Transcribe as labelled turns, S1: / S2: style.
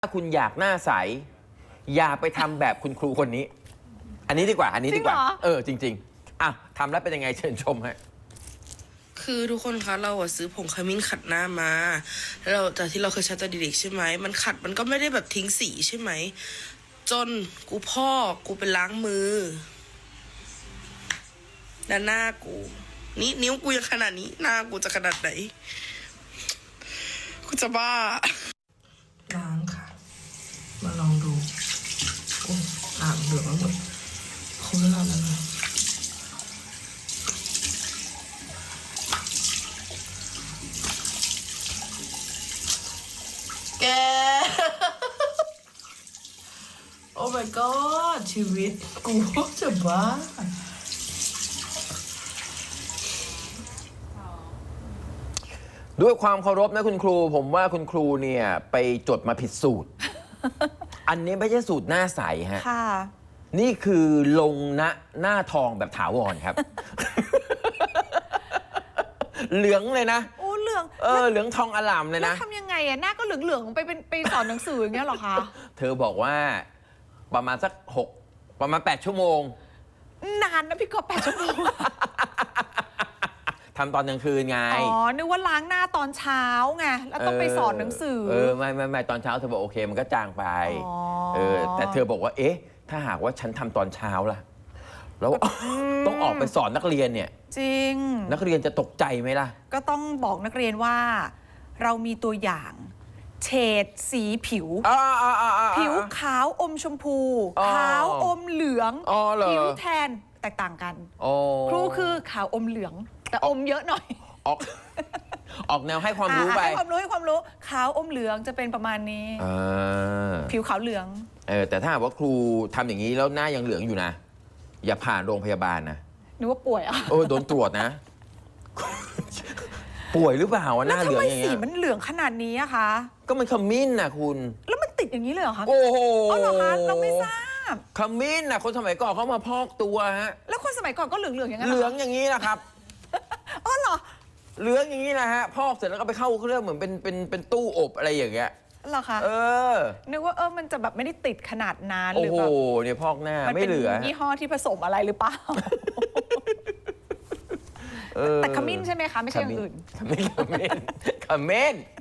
S1: ถ้าคุณอยากหน้าใสอย่าไปทำแบบคุณครูคนนี้ อันนี้ดีกว่าจริงๆอ่ะทำแล้วเป็นยังไงเชิญชมฮะ
S2: คือทุกคนคะเราซื้อผงขมิ้นขัดหน้ามาแล้วจากที่เราเคยใช้ตอนเด็กๆใช่ไหมมันขัดมันก็ไม่ได้แบบทิ้งสีใช่ไหมจนกูไปล้างมือด้านหน้ากูนี่นิ้วกูยังขนาดนี้หน้ากูจะขนาดไหนกูจะบ้าล้างค่ะมาลองดูอ่างเหลืองหมดคุ้มแล้วนะแก โอ้ my god ชีวิตกูจะบ้า
S1: ด้วยความเคารพนะคุณครูผมว่าคุณครูเนี่ยไปจดมาผิดสูตร อันนี้ไม่ใช่สูตรหน้าใสฮะนี่คือลงหน้าทองแบบถาวรครับ เหลืองเลยนะ
S3: โอ้เหลือง
S1: เหลืองทองอลามเลยนะ
S3: ทำยังไงอะหน้าก็เหลืองๆไปสอนหนังสืออย่างเงี้ยหรอคะ
S1: เธอบอกว่าประมาณสักประมาณ8 ชั่วโมง
S3: นานนะพี่กอล์ฟ8 ชั่วโมง
S1: ทำตอนกลางคืนไง
S3: นึกว่าล้างหน้าตอนเช้าไงแล้วต้องไปสอนหนังสือ
S1: ไม่ตอนเช้าเธอบอกโอเคมันก็จางไปแต่เธอบอกว่าเอ๊ะถ้าหากว่าฉันทำตอนเช้าล่ะแล้วต้องออกไปสอนนักเรียนเนี่ย
S3: จริง
S1: นักเรียนจะตกใจไหมล่ะ
S3: ก็ต้องบอกนักเรียนว่าเรามีตัวอย่างเฉดสีผิวผิวขาวอมชมพูขาวอมเหลืองผิวแทนแตกต่างกันครูคือขาวอมเหลืองแต่อมเยอะหน่อย
S1: ออกแนวให้ความรู้ไป
S3: ให้ความรู้ขาวอมเหลืองจะเป็นประมาณนี้ผิวขาวเหลือง
S1: แต่ถ้าว่าครูทำอย่างนี้แล้วหน้ายังเหลืองอยู่นะอย่าผ่านโรงพยาบาลนะ
S3: นึกว่าป่วยอ่ะ
S1: โดนตรวจนะ ป่วยหรือเปล่าหน้าเหลืองอย่างเงี้ย
S3: แล้วทำไมสีมันเหลืองขนาดนี้อะคะ
S1: ก็มันขมิ้นนะคุณ
S3: แล้วมันติดอย่างนี้เลยเหรอคะ
S1: โอ้โห
S3: เหรอคะเราไม่ทราบ
S1: ขมิ้นนะคนสมัยก่อนเขามาพอกตัวฮะ
S3: แล้วคนสมัยก่อนก็เหลืองอย่างนั้น
S1: เหลืองอย่างนี้นะครับ
S3: เหรอ
S1: เหลืองอย่างนี้นะฮะพอกเสร็จแล้วก็ไปเข้าเครื่องเหมือนเป็นตู้อบอะไรอย่างเงี้ย
S3: เหรอคะนึกว่ามันจะแบบไม่ได้ติดขนาดนั้นหรือแบบ
S1: โอ้โหเนี่ยพอกหน้าไม่เหลือ
S3: ยี่ห้อที่ผสมอะไรหรือเปล่าแต่ขมิ้นใช่ไหมคะไม่ใช่อย่างอื่น
S1: ขมิ้น